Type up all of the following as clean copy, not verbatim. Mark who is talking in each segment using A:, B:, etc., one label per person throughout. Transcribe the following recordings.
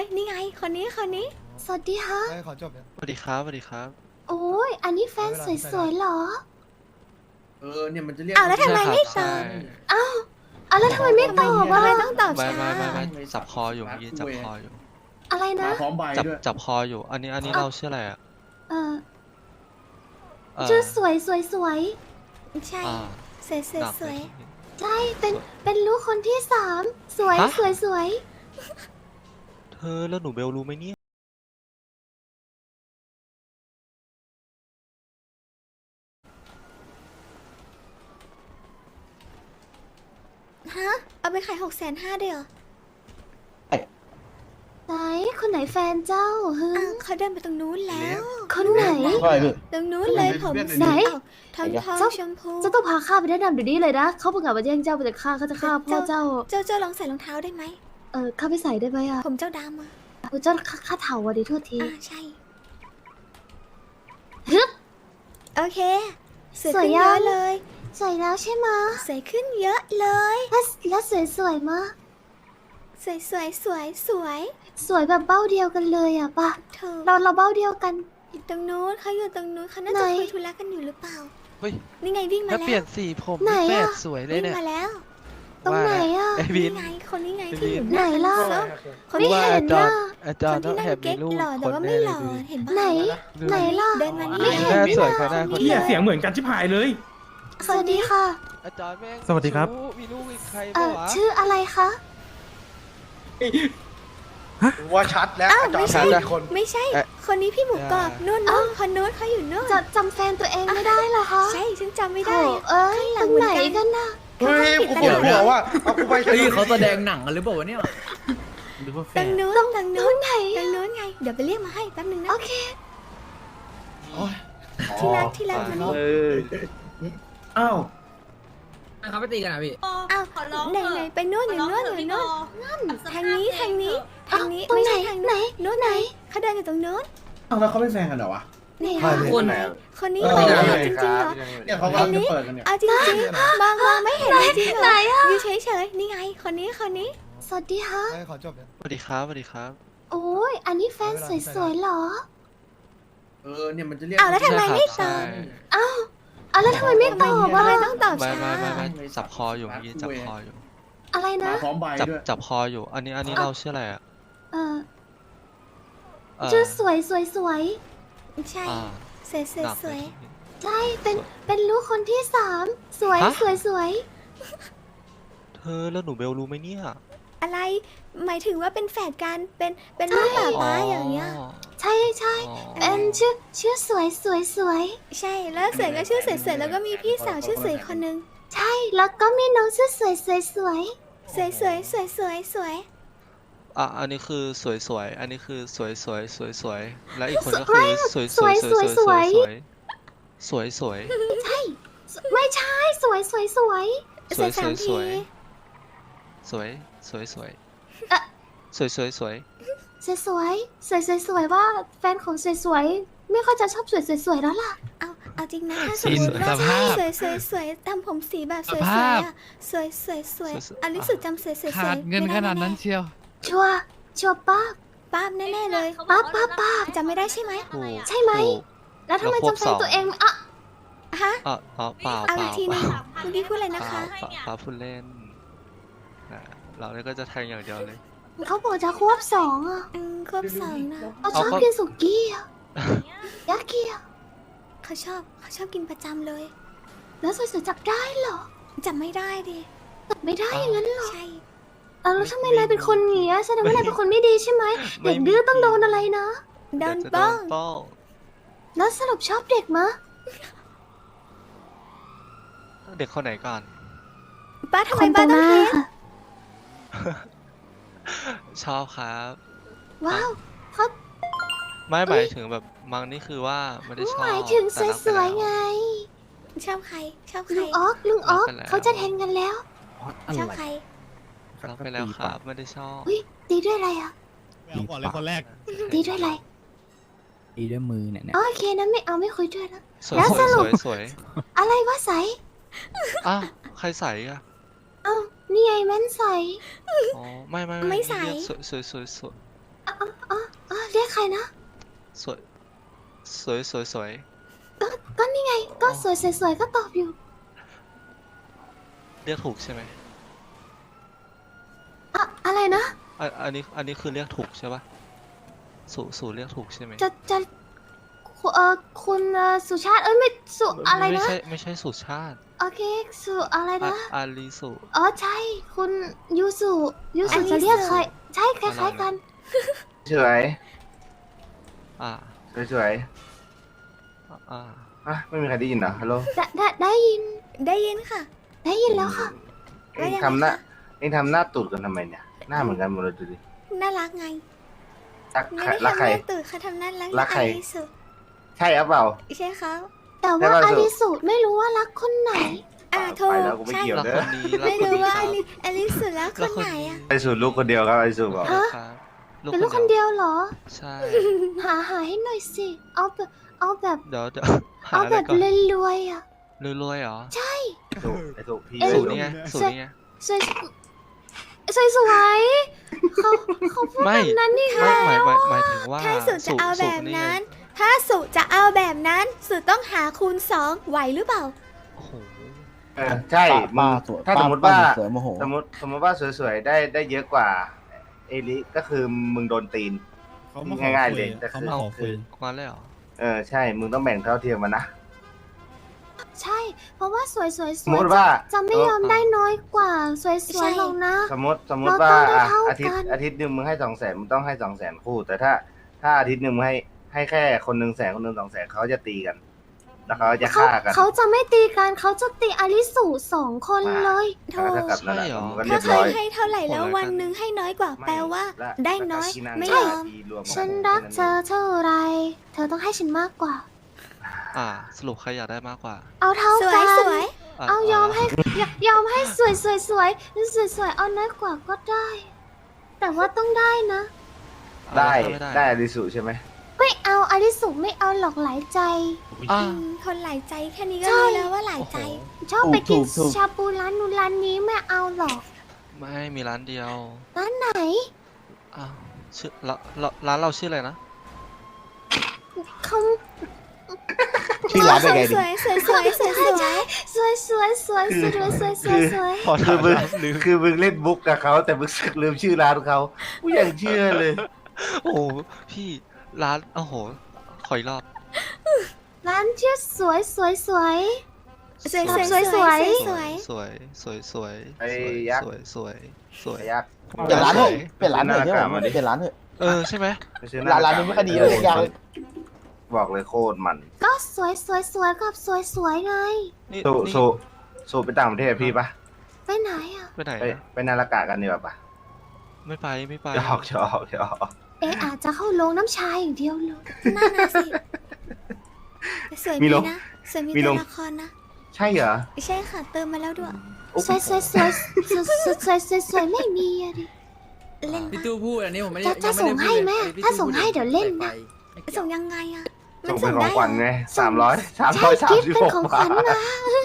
A: นี่ไงคนนี้
B: สวัสดีฮะ
C: ให้ขอจบเนี่ย
D: สวัสดีครับสวัสดีครับ
B: โอ้ยอันนี้แฟนสวยๆเหรอ
E: เนี่ยมันจะเรียก
A: อ้าวแล้วทำไมไม่ต
D: ใช่
A: อบ
B: อ่ะแล้วทำไมไม่ตอบ
A: ว่า
B: อ่ะ
A: ไม่ต้องตอบ
D: ไม่
A: ช้า
D: ไม่จับคออยู่เมื่อกี้จับคออยู่
B: อะไรนะ
E: มาพร้อมใบด้วย
D: จับคออยู่ อันนี้เราชื่ออะไรอ่ะ
B: เออ
D: เอ่อ
B: ชื่อสวย
A: ใช่
D: อ่า
A: สวย
D: หนัก
A: สวย
B: ใช่เป็นลูกคนที่3สวย
D: ฮะ
B: สวย
D: เธอแล้วหนูเบลรู้ไหมเนี่ย
A: ฮะเอาไปขาย650,000ได้เหรอ
B: ไหนคนไหนแฟนเจ้าฮึ
A: อ้าวเขาเดินไปตรงนู้นแล้ว
B: คนไหน
A: ตรงนู้นเลยผม
B: ไหน
A: ทองทอง
B: เจ้า
A: ชมพู
B: เจ้าต้องพาข้าไปแนะนำเดี๋ยวนี้เลยนะเขาประกาศมาแย่งเจ้าไปจากข้าเขาจะฆ่าพ่อเจ้า
A: เจ้าลองใส่รองเท้าได้ไหม
B: ข้าไปใส่ได้ไหมอ่ะ
A: ผมเจ้าดำอ่ะ
B: เจ้าข้าเถาอ่ะดิโทษที
A: ใช่
B: ฮึบ
A: โอเคสวย
B: สวย
A: ขึ้น
B: ยั
A: เย
B: ง
A: อะเลย
B: สวยแล้วใช่ไหมะ
A: สวยขึ้นเยอะเลย
B: แล้วสวยมะ
A: สวย
B: สวยแบบเบ้าเดียวกันเลยอ่ะป่ะ
A: เธอ
B: เราเบ้าเดียวกัน
A: อยู่ตรงนู้นเขาอยู่ตรงนู้นเขาน่าจะ
B: ไหน
A: คุยธุระกันอยู่หรือเปล่า
D: เฮ้ย
A: นี่ไงวิ่งมา
D: แล้ว
A: แล้
D: เปลี่ยน
A: ว
D: สีผม
B: ไหน
D: แป
B: อะ
D: ดสวยเลย
A: วิ่ง
D: เนี่ย
A: มาแล้ว
B: ตรงไหนอ่ะ
D: ไอ้วิ
A: นี่
D: น
A: ไงคนนี้ไง
D: ไอ้
A: ที่อยู่
D: วิน
A: หน้า
B: ไหนล่ะ
A: เนอะ คน
B: ไม่
A: ที่
B: เห็นน่ะ
D: อาจารย์
A: คน
D: ต้อง
A: ที่
D: แอ
A: นั่ง
D: บมี
A: เก๊ก
D: ลูก
A: หล่อแต่ว่า
D: คน
A: ไม่
D: แน่
A: หล่อ
D: เลย
A: เห็น
B: ไหน
A: ปะ
B: ไหนล่ะ
A: เดินมานี่
B: ไม่เห็น
D: แค่
B: นี่
D: สวย
B: นะ
D: แค่หน้าคน
F: เฮี
D: เดี
F: ย
D: ยว
F: เสียงเหมือนกันชิบหายเลย
B: สวัสดีค่ะ
D: อาจารย์แม่ง
F: สวัสดีครับ
D: มีลูกอีกใคร
B: เอ่
D: บ้า
B: อ
D: วะ
B: ชื่ออะไรคะ
C: ว่าชัดแล้ว
A: อ้าว
C: อาจาร
A: ไม่
C: ย์
A: ใช่
C: สองคน
A: ไม่ใช่ คนนี้พี่หมูกรอบนู่นคนนู้นเขาอยู่นู่น
B: จะจำแฟนตัวเองไม่ได้เหรอคะ
A: ใช่ฉันจำไม่
B: โถ
A: ได้
B: เอ้ย
A: ข้างห
B: ต
A: ลั
B: รง ง
A: เหมือน
B: ไหน
A: กัน
B: กันน่ะ
C: เฮ้ยกูปวดหัวว่าเอากูไป
G: เฮ้ยเขาแสดงหนังกันหรือเปล่าวะเนี่ยหรือว่าแฟ
A: ตรง
G: น
A: นู้น
B: ตรงไหน
A: ตรงนู้นไง เดี๋ยวไปเรียกมาให้แป๊บนึงนะ
B: โอเค
A: ที่รักมานี่
E: อ้าว
G: เขาไปตีกันอ่ะพี่
A: อ้าวไหนไปนู่นอยู่นู่นทางนี้ทางนี้
B: ตรง
A: ไม่
B: ไหน
A: ใช่ทาง
B: ไหน
A: นู้น
B: ไหน
A: เขาเดินอยู่ตรงนู้น
E: อ้าวแล้วเขาเป็นแฟนกันเหรอวะ
A: นี่
C: ใช่
A: ค่ะ
G: คน
A: คนนี้
E: เออ
A: ไม่ได้จริงๆเหรอ
E: เนี่ยเขากำลังจะเปิดกันเนี่ย
A: เอาจริงๆมองไม่เห็นจริงๆเหร
B: ไหน
A: อ
B: อ่ะ
A: อยู่เฉยๆนี่ไงคนนี้
B: สวัสดีฮะ
C: ให้ขอจบเนี่ย
D: สวัสดีครับสวัสดีครับ
B: โอ้ยอันนี้แฟนสวยๆเหรอ
E: เนี่ยมันจะเรียก
A: อ้าวแล้วทำไมไม่ต
D: ใช่
A: อบ
B: แล้วทำไมไม่ตอบ
A: ว่า
B: อ่ะ
A: ไม่ต้องตอบ
D: ไม่
A: ช้า
D: ไม่จับคออยู่เมื่อกี้จับคออยู่
B: อะไรนะ
E: มาพร้อมใบด้วย
D: จับคออยู่ อันนี้เราชื่ออะไรอ่ะ
B: เออ
D: เอ่อ
B: ชื่อสวย
A: ใช่
D: อ่า หนัก
A: สวย
B: ใช่เป็นลูกคนที่3สวย
D: ฮะ
B: สวย
D: เธอแล้วหนูเบลรู้ไหมเนี่ย
A: ๆอะไรหมายถึงว่าเป็นแฝดกันเป็นลูกป่าป้าอย่างเงี้ย
B: ใช่
D: อ๋อ
B: เป็นชื่อสวย
A: ใช่แล้วสวยก็ชื่อสวยๆแล้วก็มีพี่สาวชื่อสวยคนนึง
B: ใช่แล้วก็มีน้องชื่อสวย
A: สวย
D: อ่ะอันนี้คือสวยๆ อันนี้คือสวยๆ และอีกคนก็คือสวยๆสวย
B: ไม่ใช่สวย
A: สวยสามที
D: สวย
B: ว่าแฟนของสวยไม่ค่อยจะชอบสวยแล้วล่ะ
A: เอาจริงนะถ้าสมมติว่าสวยทำผมสีแบบสวยๆอ่ะสวยอลิสุดจำสวยๆ
H: ขาดเงินขนาดนั้นเชียว
B: ชัวร์ป้า
A: ป้าบแน่ๆเลย
B: ป้า
A: จำไม่ได้ใช่ไหม
D: ถูก
B: ใช่ไหม
D: ถูก
B: แล้วทำไมจำแฟนตัวเองอ่ะ
A: ฮะ
D: เปล่า
A: เอาอีกทีนึงคุณพี่พูดอะไรนะคะ
D: ป้าพูดเล่นเราเนี่ยก็จะแทงอย่างเดียวเลย
B: เขาบอกจะควบ2อ่ะ
A: ควบสองนะ
B: เขาชอบกินสุกี้อ่ะยากิอ่ะ
A: เขาชอบกินประจำเลย
B: แล้วสวยๆจับได้เหรอ
A: จำไม่ได้ดิ
B: จับไม่ได้อย่างนั้นเหรอ
A: ใช่
B: แล้วทำไมนายเป็นคนอย่างเงี้ยแสดงว่านายเป็นคนไม่ดีใช่ไหมเด็กดื้อต้องโดนอะไรนะ
A: โดน
D: เดี๋ยวจะ
A: บ้อง
D: ป้อง
B: แล้วสรุปชอบเด็กมะ
D: เด็กคนไหนก่อน
A: ป้าทำไมป้าต้องเทส
D: ชอบครับ
B: ว้าวเขา
D: ไม่หมายถึงแบบมังนี่คือว่าไม่ได้ชอบ
B: หมายถึงส
D: แต่รักไป
B: วย
D: แล้
B: ๆไง
A: ชอบใคร
B: ลุงออกเขาจะแทงกันแล้ว
A: ชอบใคร
D: รักไปแล้วครับไม่ได้ชอบ
B: อุ้ยตีด้วยอะไรอ่ะ
F: เอาก่อนเลยคนแรก
B: ตีด้วยอะไร
G: ตีด้วยมือเนี่ย
B: โอเคนะไม่คุยด้วยแล้ว
D: สวย
B: แล้ว
D: ส
B: ส
D: วย
B: รุ
D: ส
B: ป
D: วยสวย
B: อะไรวะใส
D: อ่ะใครใส่อะ
B: เอ้านี่ไงแม่นใส
D: อ๋อไม่
A: ไม่ใส่
D: สวย
B: เรียกใครนะ
D: สวยสวยสวยสวย
B: ก็นี่ไงก็สวยสวยก็ตอบอยู่
D: เรียกถูกใช่ไหม
B: อะไรนะ
D: อันนี้คือเรียกถูกใช่ปะสู่เรียกถูกใช่ไหม
B: จะคุณสุชาติไม่สุอะไรนะ
D: ไม่ใช่สุชาติ
B: โอเคสุอะไรนะ
D: อารีสุ
B: อ๋อใช่คุณยูสุจะเรียกใครใช่คล้ายๆกัน
C: สวย
D: อ่า
C: สวย
D: อ่า
C: อ่ะไม่มีใครได้ยินเหรอฮัลโหล
B: ได้ยิน
A: ได้ยินค่ะ
B: ได้ยินแล้วค่ะ
C: เอ็งทำหน้าตูดกันทำไมเนี่ยหน้าเหมือนกันหมดเลยดูดิ
A: น่ารักไง
C: รัก
A: ไม่ได้
C: ใคร
A: ทำหน้าตื่นค่ะทำหน้ารัก
C: รักใคร
A: อลิสุ
C: ใช่หรือเปล่า
A: ใช่ครับ
B: แต่ว่าอาริสุไม่รู้ว่ารักคนไหน
A: โทร
C: ไปแล้วกูไม่
A: ใช่
C: เกี่ยว
D: รัก
C: เด้
D: ค
C: อน
D: นี้รัก
A: ไม่
D: คน
A: รู้
D: นี้
A: ว่า
D: ค
A: อ
D: รับ
A: ลิสุแล้วคนไหนอ่ะ
C: ไอสูตรลูกคนเดียวครับไอสูตรบอก
B: ฮะ
D: ครับ
B: เป็นลูกคนเดียวเหรอ
D: ใช่
B: หาให้หน่อยสิ เอาแบบ
D: เดี๋ยวหา
B: เอา
D: อะไร
B: แบบ
D: ก่อน
B: รวยๆอ่ะ
D: รวยๆเหรอ
C: ไอสูตรพี่
D: สูนี่ไงสูนี่ไง
B: สวยสวยเขาพูด
D: ไม่
B: แบบนั้นนี่
D: ไม่
B: ค่ะ
D: หมายถึงว่า
A: ถ้าสุจะเอาแบบ
D: นี่ไง
A: นั้น ถ้าสุจะเอาแบบนั้น สุต้องหาคูณ2ไหวหรือเปล่า
D: โอ้โห
C: ใช่มึงถ้าสมมติว่า
H: สวยโมโห
C: สมมติว่าสวยๆได้เยอะกว่าเอลิก็คือมึงโดนตีน
F: เขามาขอ
C: ง่ายๆ
F: คุ
C: เลย ยแต่
F: เขา
C: คือ
F: มาขอคุย
D: มาเลยเหรอ
C: ใช่มึงต้องแบ่งเท่าเทียมมันนะ
B: ใช่ เพราะว่าสวย
C: สมมติว่า
B: จะไม่ยอมได้น้อยกว่า สวยๆหรอกนะ
C: สมมติว่า
B: เราต้องได้เท่ากัน
C: อาทิตย์หนึ่งมึงให้200,000มึงต้องให้200,000คู่แต่ถ้าอาทิตย์หนึ่งมึงให้แค่คนหนึ่ง100,000คนหนึ่ง200,000เขาจะตีกัน แล้วเขาจะฆ่ากัน
B: เขาจะไม่ตีกันเขาจะตีอาริสุ2 คนเลย
A: โธ่
C: ถ้ากับนั่นแหละ
D: ใช่เหรอ
C: มึงก็เรี
A: ถ้าย
C: บ
A: เค
C: ร้อย ย
A: ให้เท่าไหร่แล้ววันหนึ่งให้น้อยกว่า แปลว่า ได้น้อยไม่ยอม
B: ฉันรักเธอเท่าไร เธอต้องให้ฉันมากกว่า
D: สรุปใครอยากได้มากกว่า
B: เอาเท่า
A: สว
B: กั
A: ย
B: น
A: สวย
D: ะ
B: เอายอมให้สวยเอาน้อยกว่าก็ได้ แต่ว่าต้องได้นะ
C: ได้
D: ม่
C: ได้อริสุใช่ไหม
B: ไม่เอาอาริสุไม่เอาหลอกหลายใจ
D: อ่ะ
A: คนหลายใจแค่นี้ก็
B: ใช่
A: รู้แล้วว่าหลายใจ
B: ชอบไปกิน
H: ถูก
B: ชาบูร้านนู้นร้านนี้ไม่เอาหรอก
D: ไม่มีร้านเดียว
B: ร้านไหน
D: อ้าวชื่อร้านเราชื่ออะไรนะ
B: เขา
H: ชื่อร้านได้ไงดิ
A: สวยสวยสวยสวยสวย
B: สวย
D: พอ
C: คื
D: ถา
C: อ
D: ม
C: มึง
D: แล้วลืม
C: คือมึงเล่นบุ๊กกับเขาแต่มึงสึกลืมชื่อร้านเขากูยังเชื่อเลย
D: โอ้โหพี่ร้านโอ้โหขออีกรอบ
B: ร้านชื่อสวย
A: สวยสวย
B: สวย
A: สวย
D: สวยสวย
C: ไอ้ยักษ์
D: สวยสวย
C: ไอ้ยักษ์
H: เปลี่ยนร้านเถอะเปลี่ยนร้านเถอะ
C: หน้ากากมาดิ
H: เปลี่ยนร้านเถอะ
D: ใช่ไหม
C: ไปซื้อ
H: ร้านนี้ไม่ค่อยดีเลยทุกอย่างเลย
C: บอกเลยโคตรมัน
B: ก็สวยกับสวยไง
D: นี่
C: สู
D: นี่
C: สูสูไปต่างประเทศพี่ปะ
B: ไปไหนอ่ะ
D: ไปไหน
C: ไป
D: นะ
C: ไปนารากะกันดีกว่าปะ
D: ไม่ไป
C: จะออกจะออกจะออก
B: อาจจะเข้าลงน้ำชาอย่างเดียวเลย
A: นั่นนะสิสวยดีนะสวยมีตัวละครนะ
C: ใช่เหรอ
A: ใช่ค่ะเติมมาแล้วด้วย
B: สวยไม่มีอะดิ
A: เล่น
G: พี่
A: ปะ
G: ตู้พูดอันนี้ผมไม่ได้
B: จะส่งให้ไหมอะถ้าส่งให้เดี๋ยวเล่นนะ
A: ส่งยังไงอะ
C: ส่งเป็นของขวัญไง300
B: ใช่กิฟต์เป็นของขวัญ
C: 336
B: มา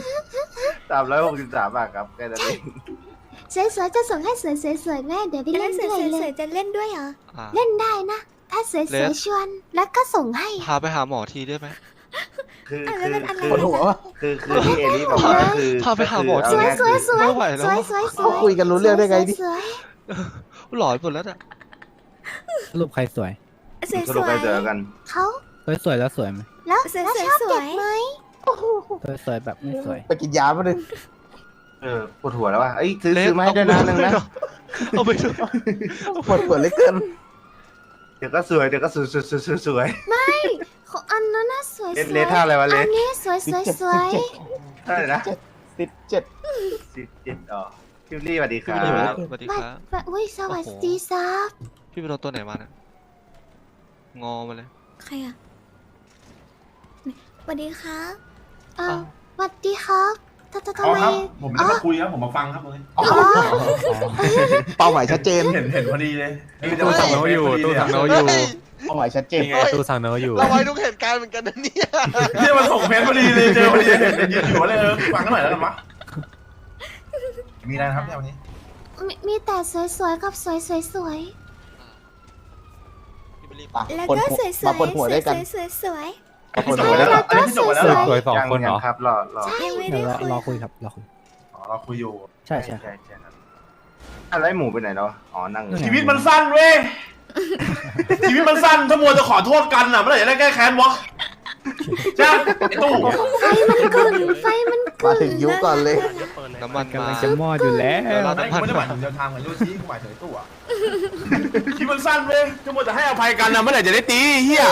C: 363 บาทครับแค่นั้นเอง
B: สวยจะส่งให้สวยแม่เดี๋ยวไป
A: เล่
B: เล่
A: น
B: น
A: ส
B: ด้วย
A: วย
B: เล
A: สวย
B: ย
A: จะเล่นด้วยเหรอ
D: อ่ะ
B: เล่นได้นะ ถ้าสวยชวนแล้วก็ส่งให้
D: พาไปหาหมอทีได้ไหม
C: คือ
A: แล้วเป็นอะไร
H: ปวดหัววะ
C: คือที่เอลี่บอกว่าคือ
D: พาไปหาหมอ
B: สวย
D: ไม่ไหวแล้ว
H: เขาคุยกันรู้เรื่องได้ไงดิ
B: สวย
D: หลอนหมดแล้วอ่ะ
F: สรุปใครสวย
A: สวย
C: ส
A: ส
C: รุป
A: ว
C: ไป
A: ย
C: เจอกัน
B: เขา
F: สวยแล้วสวยไหม
B: แล้ว
A: สวย
B: แล้ว
A: สวย
B: ชอบ
A: สวย
B: เด็กไหมโอ้โห
F: สวยแบบไม่สวย
H: ไปกินยามาเลย
C: ปวดหัวแล้วว่ะเอ้ยซื้อมาให้ด้วยนะนึงนะ
D: เอาไปด้วย
H: ปวดหัวเหลยเกิน
C: เดี๋ยวก็สวยเดี๋ยวก็สวย
B: ของอันนั้นน่ะสวย
C: เลทท่าอะไรวะเล
B: อั
C: ท
B: นนี้สวย
C: เท่าไหร่นะ
H: 17
C: 17อ๋อพี่ลี่สวัสดีค
D: พี่
C: รั
D: ไปโดน
C: บ
D: สวัสดี
B: ไม่
D: ครับ
B: ไม่อุ้ยสวัสดีซับ
D: พี่ไปโดนตัวไหนมาเนี่ยงอมาเลย
A: ใครอะสวัสดีครับ
B: สวัสดีครับทำไม
I: ผมไม่ได้มาคุยครับ ผมมาฟังครับเลย
B: อ๋อ
H: เป้าหมายชัดเจน
I: เห็นพอดีเลย
F: ตู้สั่งโน้ตอยู่ตู้สั่งโน้ตอยู่
H: เป้าหมายชัดเจน
F: ตู้สั่งโน้ตอยู่
J: เราไว้ทุกเหตุการณ์เหมือนกันนะเนี่ย
I: เนี่ยมันส่งเพจพอดีเลยเจอพอดีเห็นยืนอยู่เลยฟังกันหน่อยแล้วกันวะมีอะไรนะครับเนี่ยวันนี้
B: มีแต่สวยๆกับสวย
A: แล้ว
H: ปวด
A: ก็
H: หัว
A: สวยส
H: มา
A: วย
H: ปวดหัวด้วยกัน
A: สวยสวย
H: มาปวดหัว
C: แล้
H: ด้วย
C: ว
H: กัน
I: อันนี้คือจบไปแล้วเหรอ
F: สวยสองคนเหรอ
C: ครับรอ
A: ยังไม่
F: เดี๋
A: ได้
F: ยวรอ
A: คุย
F: รอคุยครับรอคุย
I: อ๋อเราคุยอยู่
F: ใช่ใช่
C: ใช่ครับอะไรหมูไปไหนเนาะอ๋อนั่งอยู่
I: ชีวิตมันสั้นเว้ย ชีวิตมันสั้นถ้ามัวจะขอโทษกันอ่ะเมื่อไหร่จะได้แก้แค้นวะใช่ไอ้ตู้
B: ไฟมันกึ่งไฟมันกึ่
H: มาง ถึงยุคก่อนเลย
D: น้ำมัน
F: กำ
D: มา
F: ลังจะมอดอยู่แล้ว
D: เดี๋ยวเรา
I: ไม่กูไม่ได้หมายถึงเดินทางเหมือนโยชิกูหมายถึงไอ้ตู้อะชีวิตมันสั้นเว้ยถ้ามัวจะให้อภัยกันอ่ะเมื่อไหร่จะได้ตีเฮีย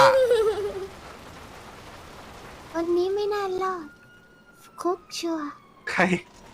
B: วันนี้ไม่น่ารอดคุกชัวร์
C: ใคร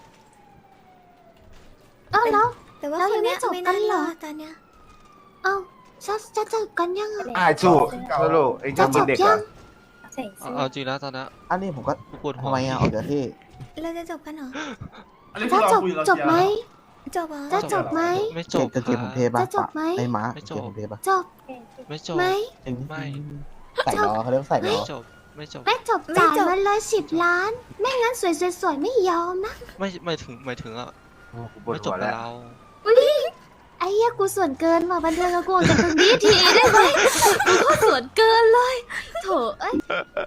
B: เอ้าแล้ว
A: แต่ว่า
B: แล้ว
A: ค
B: ยั
A: น
B: งไม่
A: เนี้ย
B: จบ
A: ไม่
B: กั
A: น่าน
B: เหร
A: ร
B: อ
A: อตอนเนี้ย
B: เอ้าจะจบกันยังอะ
C: สู้สรุปไอ้
B: จะ
C: เจ้า
B: จ
C: เป็น
B: บ
C: เด็ก
B: ยั
C: อ่ะ
B: ง
D: เอาจริงนะตอนนี้
H: อันนี้ผมก็
D: กูปวดหั
H: ทำ
D: ว
H: ไมอ่ะออกจากที่
A: เราจะจบกันเหรอ
I: อันนี้
B: จะ
I: คือเรา
B: จบ
I: คุยเรา
B: จบไหม
A: จบเหรอ
B: จะจบไหม
D: ไม่จบ
H: กางเกงผมเทปะ
B: จะจบไหม
H: ไอ้หมา
D: ไม่
H: กาง
D: จ
H: เก
D: บ
H: งผมเทปะ
B: จบ
D: ไม่จบ
B: ไหม
D: ไม่
H: ใส่ล้อเขาเรียกว่าใส่ล้
D: ไม่
H: อ
D: จบไม่จบ
B: ไม่จบจ่ายมันเลย10 ล้าน ไม่งั้นสวยๆไม่ยอมนะ
D: ไม่ถึงอ่ะ
C: กูปวด
D: ไม่จ
C: หั
D: บ
C: ว
D: กับ
C: แล้ว
D: เรา
B: ไอ้เหี้ยกูส่วนเกินว่ะบันเทิงกับกูออกจากตรงนี้ทีได้ไหมกูก็ส่วนเกินเลยโถเอ้ย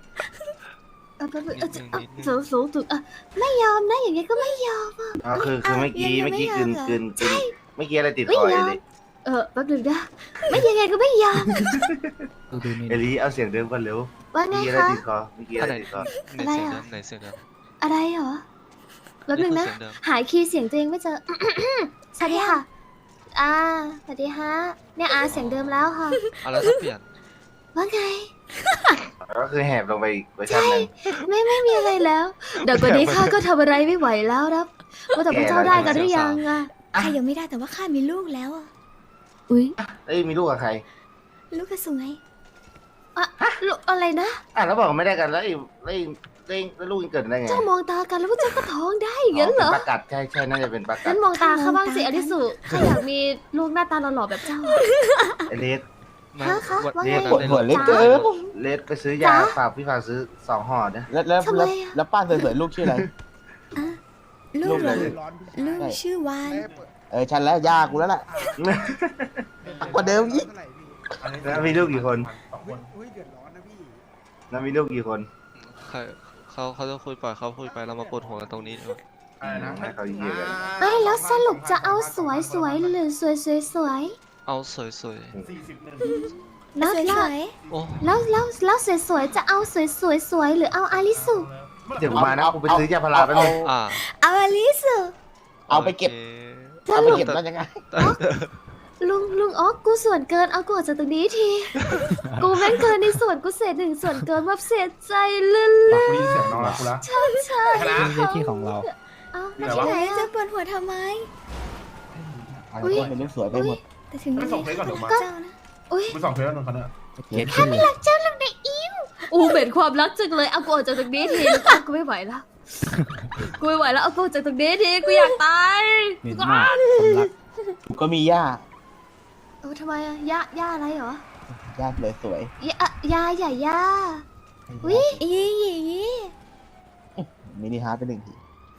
B: สูงถึงไม่ยอมนะอย่างเงี้ยก็ไม่ยอม
C: อ๋อคือเมื่อกี้เมื่อกี้กลืนเมื่อกี้อะไรติด
B: ไม่
C: คอย
B: ยอม
C: เลย
B: แป๊บนึงนะไม่ยังไงก็ไม่ยอม
F: ดูนี่
C: เอลีเอาเสียงเดิมกันเร็ว
B: ว่าไง
C: เมื่อกี้อะไร
B: คะ
C: ติดคอเมื่อกี้อะไรติดคอ
D: ไหนเสียงเดิมไหนเสียงเดิม
B: อะไรเหรอแป๊บนึงนะ
D: เสียงเดิม
B: หายคีย์เสียงตัวเองไม่เจอ สวัสดีค่ะสวัสดีฮะเนี่ยเสียงเดิมแล้วค่ะ
D: เอาแล้วถ้าเปลี่ยน
B: ว่าไง
C: ก็คือแหบลงไปอีกเวอร์ชันหนึง
B: ไม่มีอะไรแล้ว เดี๋ยวกว่านี้ข้าก็ทำอะไรไม่ไหวแล้วครับว่าแต่พวกเจ้าได้กันหรือยังอะ
A: ใครยังไม่ได้แต่ว่าข้ามีลูกแล้วอ่ะ
B: อุ้ย
C: เอ้ยมีลูกกับใคร
A: ลูกก็สวย
B: ลูกอะไรนะ
C: แล้วบอกไม่ได้กันแล้วแล้วลูกยังเกิดได้ไง
B: เจ้ามองตากันแล้วพวกเจ้าก็ท้องได้อย่างนั้นเหรอ
C: ป็ประกาศใช่น่าจะเป็นประกา
B: งั้
C: ศ
B: นมองตาข้าบ้างสิอลิสุข้าอยากมีลูกหน้าตาหล่อๆแบบเจ้า
C: ไอเลส
D: ไม่
B: ฮะ
D: วัน
B: ว่าไง
D: นี้
H: ปวดหัวเหล็กเกิน
C: เลสไปซื้อยาฝากพี่ฝากซื้อ2 ห่อนะ
H: แล้วป้าสวยๆลูกชื่ออะไร
A: ลูกเหรอ
H: ลูก
A: ลูกชื่อวาน
H: ฉันแล้วยากูแล้วล่ะกว่าเดิมอีก
C: แล้วมีลูกกี่คน
I: สองคน
C: แล้วมีลูกกี่คน
D: ใครเขาจะคุยปล่อยเขาคุยไปเรามาปวดหัวกันตรงนี้ดีกว่า
I: อะไรนะ
C: ให้เขาเยี่ยกัน
B: ไม่แล้วสรุปจะเอาสวยหรือสวย
D: เอาสวย
B: ๆแล้ว
A: สวย
D: ๆโอ้
B: แล้วสวยๆจะเอาสวยหรือเอาอาริสุ
C: เดี๋ยวกูมานะกูไปซื้อยาพาราไปเลย
D: อ่า
A: ๆเอาอลิส
H: เอาไปเก็บ
D: โอค
H: เอาไปเก็บแล้วยังไง
B: ลุงอ๋อกูส่วนเกินเอากูออกจากตรงนี้ที กูแม่งเกินในส่วนกูเศษหนึ่งส่วนเกินแบบเสียใจเลื่อน
I: กูได้ยินเสียงน้องแล้วกูละ
B: ใช่
F: นี่ที่ของเรา
B: เอา
I: ที่
B: ไม่
I: ไหน
B: ใช่
I: วะ
B: ไหน
A: จะ
B: อะ
A: ปวดหัวทำไม
H: อะไรก็เป็นเรื่องสวยไปหมด
A: แต่ถึง
I: ไม่ส่งเพลงก่อนเดี๋ยวมา
A: เจ้านะ
B: อุ้ย
I: กูส่งเพลงแล้วนนท์เขาเนี่ย
F: เกตขึ้นเลย
B: เจ้าลุงในอิมอูเหม็นความรักจังเลยเอากูออกจากตรงนี้ทีกูไม่ไหวแล้วกูไม่ไหวแล้วเอากูออกจากตรงนี้ทีกูอยากตาย
F: เหม็นมากความรัก
H: กูก็มีย่า
B: ทำไมอะย่าอะไรเหรอย่
H: าเลยสวย
B: ย่าใหญ่ย่า อุ๊ย
A: อีอี
H: มินิฮาร์ดไป1 ที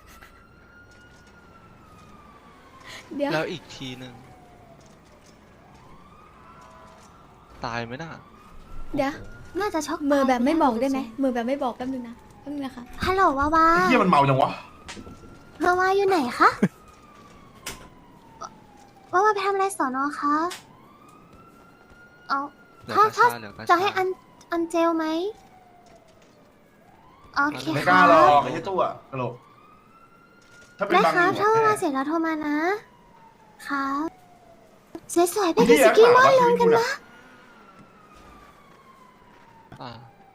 A: เดี๋ยว
D: แล้วอีกทีหนึ่งตายไหมน่ะ
A: เดี๋ยว
B: น่าจะช็อก
A: มือแบบไม่บอกได้ไหมมือแบบไม่บอกแป๊บนึงนะคะ
B: ฮัลโหลวาวา
I: ไอ้เฮียมันเมาจังวะ
B: วาวาอยู่ไหนคะวาวาไปทำอะไรสอนอคะเอา
D: เหลือ
B: ถ้าก
D: ระ
B: ถ้า
D: ชาเหลือกระ
B: จะ
D: ชา
B: ให้อันเจลไหมโอเค
I: ไม่ก
B: ค่ะ
I: ล้าหรอกไอ้เหี้ยตู้อะกระโหลกถ้าเป็น
B: ได้
I: บาง
B: ครับ
I: อ
B: ถ้า
I: ยู่
B: วาวา
I: อะ
B: เสร็จแล้วโทรมานะครับสวยๆไป
I: ไอ้
B: กิน
I: เหี้
B: ส
I: ย
B: กี้มอน
I: ถาม
B: ล
I: ว่าง ชีวิต
B: กัน
I: กู
B: นะ
I: น่ะ
D: อ่า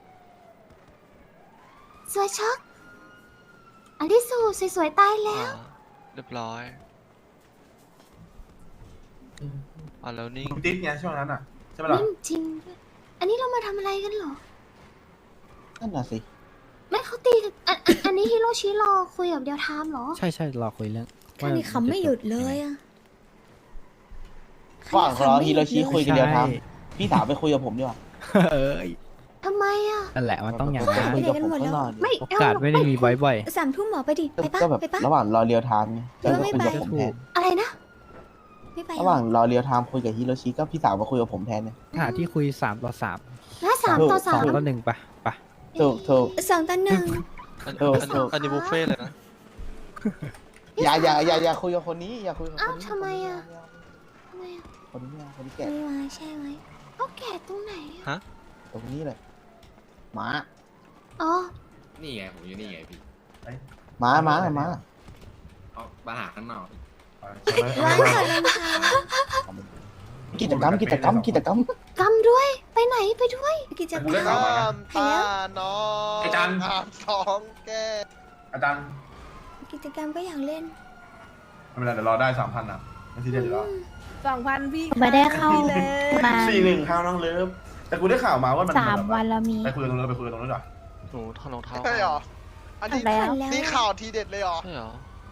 B: สวยช็อกอันที่สูสวยๆตายแล้ว
D: เรียบร้อยอ่าแล้วนิ่ง
I: มึงติดไงช่วงนั้นอ่ะใช่ไหมล่ะ
B: นิ่มจริงด้วยอันนี้เรามาทำอะไรกันเหรอ
H: นั่นน่ะสิ
B: ไม่เขาตีกันอันนี้ฮิโรชิรอคุยกับเดียวไทม์เหรอ
F: ใช่รอคุยเรื่อง
A: ท่านนี่ขำไม่หยุดเลยอ่ะ
H: ว่างรอฮิโรชิคุยกันเดียวท
F: ใช่
H: ำพี่สาวไปคุยกับผมดีกว่า
F: เอ้ย
B: ทำไมอ่ะ
F: นั่นแหละมันต้องอย่าง
H: ไป
F: นั้น
H: คุยกับผมข้างนอก
B: ไม่
F: โอกาสไม่ได้มีบ่อย
A: 3 ทุ่มหมอไปดิไปปะ
H: ก็แบบ
A: ไปปะ
H: ระหว่างรอเรียวไทม์ไง
A: หรือว่าไม่
H: คุย
A: ไป
H: กับผมแทน
B: อะไรนะ
A: ไม่ไป
H: ระหว่างรอเรียวไทม์คุยกับฮิโรชิก็พี่สาวมาคุยกับผมแทนเนี่ย
F: หาที่คุย3-3
B: และ3 ต่อ
H: ถูก
F: 2-1ปะ
H: ถูก
A: 2-1
D: อันนี้บุฟเฟ่ต์เลยนะ
H: อย่าคุยกับคนนี้อย่าคุยกับคนนี้
B: อ้าวทำไมอ่ะ ทำไมอ่ะ
H: คนนี้ไม่เอาคนนี้แก่
A: ไม่มาใช่ไหม
B: เอาแก่ตรงไหนอะ
D: ฮะ
H: ตรงนี้เลยหมา
B: อ๋อ
G: นี่ไงผมอยู่นี่ไงพี่
H: หมา
G: เอามาหาข้างนอก
A: ร้านขายรองเท้า
H: กิจกรรม
B: กำด้วย ไปไหนไปด้วย
A: กิจกร
I: กูได้
A: ร
I: ข่าว
A: ม
I: มานะ
J: ตาน้อง
I: ไอ้จัน
J: ห้ามท้องแก
I: อาจารย์
A: กิจกรรมก็อยากเล่น
I: ไม่เป็นไรเดี๋ยวรอได้3,000นะไม่ซีเรียสอยู่แล้ว
K: 2,000 พี่
B: ไม่ได้เข้ามา
I: 4-1ข้าวน้องเลิฟแต่กูได้ข่าวมาว่ามัน
B: 3 วันแล้วมี
I: ไปคุยกันตรงนู้นดีกว่า
D: หนูถอดรองเท้า
J: ใช่เหรอ อันนี้
B: แล้ว
A: แล้ว
J: นี่ข่าวทีเด็ดเลยเหรอ
D: ใช่เหรอ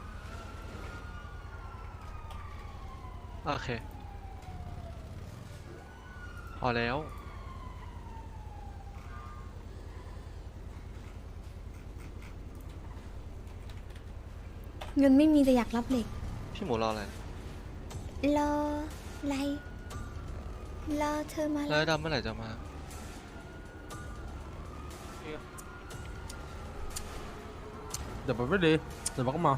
D: โอเค พอแล้ว
A: เงินไม่มีแต่อยากรับเหล็ก
D: พี่หมูรออะไร
A: รออะไรรอเธอมา
D: แล้วไอ้ดำเมื่อไหร่จะมา
F: เดี๋ยวไปดีเดี๋ยวก็มา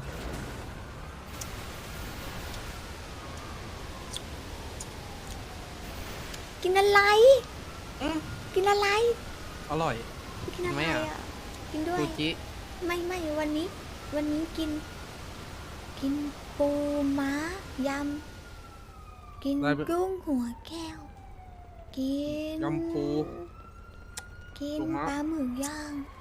A: กินอะไรกินอะไร
F: อร่อย
A: กินอะไร
F: ไม่อะ
A: อ่ะกินด้วย
F: ซูจิ
A: ไม่วันนี้กินปูม้ายำกินกุ้งหัวแก้ว กิน
F: ยำปู
A: กิน
F: ปูม้า
A: ปลาหมึกย่าง